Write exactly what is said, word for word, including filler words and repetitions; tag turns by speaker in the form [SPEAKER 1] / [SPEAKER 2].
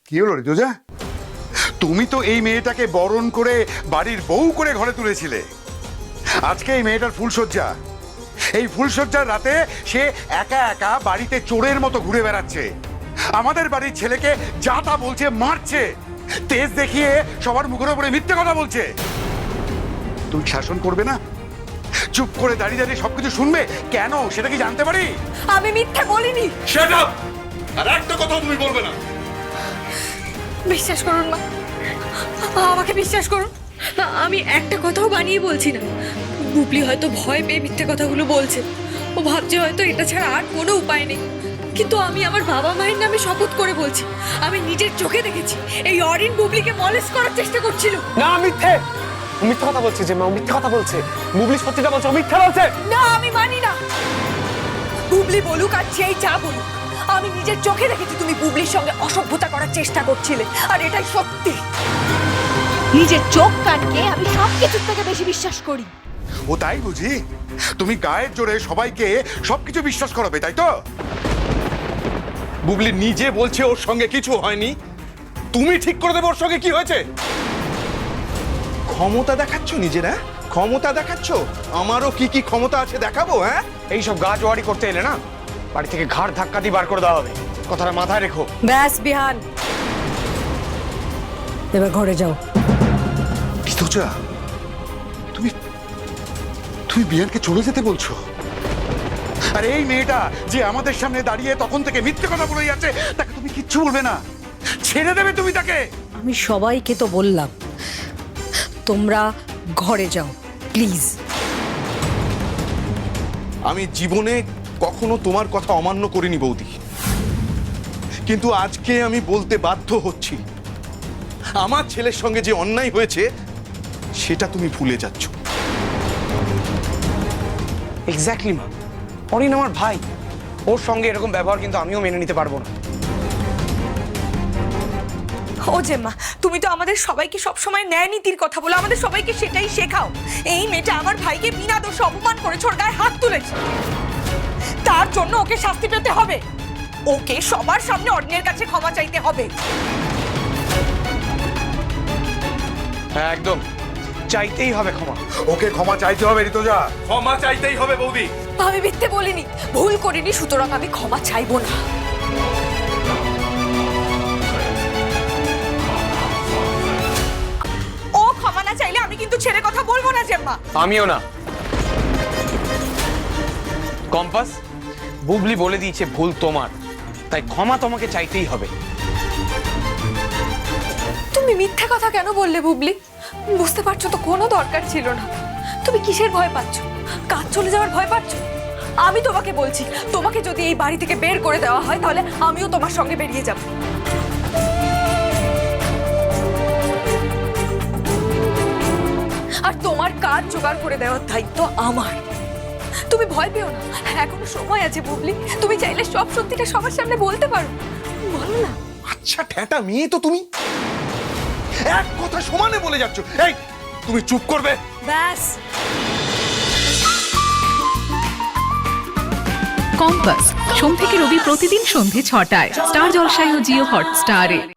[SPEAKER 1] কি হলো ঋতুজা? তুমি তো এই মেয়েটাকে বরণ করে বাড়ির বউ করে ঘরে তুলেছিলে। আজকে এই মেয়েটার ফুলশয্যা, এই ফুলশয্যার রাতে সে একা একা বাড়িতে চোরের মতো ঘুরে বেড়াচ্ছে, আমাদের বাড়ির ছেলেকে যা তা বলছে, মারছে, তেজ দেখিয়ে সবার মুখের উপরে মিথ্যে কথা বলছে। তুমি শাসন করবে না? চুপ করে দাঁড়িয়ে দাঁড়িয়ে সবকিছু শুনবে কেন, সেটা কি জানতে পারি?
[SPEAKER 2] আমি মিথ্যে বলিনি।
[SPEAKER 3] Shut up! আর একটা কথা তুমি বলবে না।
[SPEAKER 2] বিশ্বাস করুন মা, আমাকে বিশ্বাস করুন, আমি একটা কথাও বানিয়ে বলছি না। বুবলি হয়তো ভয় পেয়ে মিথ্যে কথাগুলো বলছে, ও ভাবছে হয়তো এটা ছাড়া আর কোনো উপায় নেই। কিন্তু আমি আমার বাবা মায়ের নামে শপথ করে বলছি, আমি নিজের চোখে দেখেছি এই অরিন বুবলিকে মলেস করার চেষ্টা করছিল।
[SPEAKER 4] না, মিথ্যে। ও মিথ্যে কথা বলছে যে মা, ও মিথ্যে কথা বলছে। বুবলি সত্যিটা বলছে, ও মিথ্যা বলছে।
[SPEAKER 2] না, আমি মানি না। বুবলি বলুক আর যেই যা বলুক, আমি নিজের চোখে দেখেছি তুমি বুবলির সঙ্গে অসভ্যতা করার চেষ্টা করছিলে, আর এটাই সত্যি। নিজের চোখ কানকে আমি সব কিছুর থেকে বেশি বিশ্বাস করি।
[SPEAKER 1] ও তাই বুঝি? তুমি গায়ের জোরে সবাইকে সবকিছু বিশ্বাস করাবে, তাই তো?
[SPEAKER 3] বুবলি নিজে বলছে ওর সঙ্গে কিছু হয়নি, তুমি ঠিক করে দেবে ওর সঙ্গে কি হয়েছে। ক্ষমতা দেখাচ্ছ নিজেরা, ক্ষমতা দেখাচ্ছ। আমারও কি কি ক্ষমতা আছে দেখাবো। হ্যাঁ,
[SPEAKER 4] এইসব গা জোয়ারি করতে এলে না, বাড়ি থেকে ঘাড় ধাক্কা দিয়ে বার করে দেওয়া হবে। কথাটা মাথায় রেখো।
[SPEAKER 2] ব্যাস বিহান, এবার ঘরে যাও।
[SPEAKER 1] ঋতুজা, তুমি তুমি বিয়ানকে চলে যেতে বলছো? আর এই মেয়েটা যে আমাদের সামনে দাঁড়িয়ে তখন থেকে মিথ্যে কথা বলে যাচ্ছে, তাকে তুমি কিচ্ছু বলবে না? ছেড়ে দেবে তুমি তাকে?
[SPEAKER 5] আমি সবাইকে তো বললাম তোমরা ঘরে যাও প্লিজ।
[SPEAKER 3] আমি জীবনে কখনো তোমার কথা অমান্য করিনি বৌদি, কিন্তু আজকে আমি বলতে বাধ্য হচ্ছি, আমার ছেলের সঙ্গে যে অন্যায় হয়েছে সেটা তুমি ভুলে যাচ্ছ।
[SPEAKER 4] এক্স্যাক্টলি মা, অরিন আমার ভাই, ওর সঙ্গে এরকম ব্যবহার কিন্তু আমিও মেনে নিতে পারবো না।
[SPEAKER 2] ও জেম্মা, তুমি তো আমাদের সবাইকে সবসময় ন্যায় নীতির কথা বলো, আমাদের সবাইকে সেটাই শেখাও। এই মেয়েটা আমার ভাইকে বিনা দোষে অপমান করেছে, ওর গায়ে হাত তুলেছে, তার জন্য ওকে শাস্তি পেতে হবে। ওকে সবার সামনে অরিনের কাছে ক্ষমা চাইতে হবে।
[SPEAKER 4] হ্যাঁ, একদম চাইতেই হবে ক্ষমা।
[SPEAKER 1] ওকে ক্ষমা চাইতে হবে ঋতুজা।
[SPEAKER 3] ক্ষমা চাইতেই হবে বৌদি।
[SPEAKER 2] আমি মিথ্যে বলিনি, ভুল করিনি, সুতরাং আমি ক্ষমা চাইবো না। ও ক্ষমা না চাইলে আমি কিন্তু ছেড়ে কথা বলবো না জেম্মা।
[SPEAKER 4] আমিও না। কম্পাস, বুবলি বলে দিয়েছে ভুল তোমার, তাই ক্ষমা তোমাকে চাইতেই হবে।
[SPEAKER 2] তুমি মিথ্যে কথা কেন বললে বুবলি? বুঝতে পারছো তো কোনো দরকার ছিল না। তুমি কিসের ভয় পাচ্ছ? কাজ চলে যাওয়ার ভয় পাচ্ছ? আমি তোমাকে বলছি, তোমাকে যদি এই বাড়ি থেকে বের করে দেওয়া হয় তাহলে আমিও তোমার সঙ্গে বেরিয়ে যাব। আর তোমার কাজ জোগাড় করে দেওয়ার দায়িত্ব আমার। তুমি ভয় পেও না, এখনো সময় আছে বুবলি। তুমি চাইলে সব সত্যিটা সবার সামনে বলতে পারো, বলো না।
[SPEAKER 3] আচ্ছা ঠেটা মেয়ে তো তুমি, এক কথা সমানে বলে যাচ্ছ। এই তুমি চুপ করবে?
[SPEAKER 2] ব্যাস।
[SPEAKER 6] কম্পাস সোম থেকে রবি প্রতিদিন সন্ধে ছটায় স্টার জলসায় ও জিও হটস্টারে।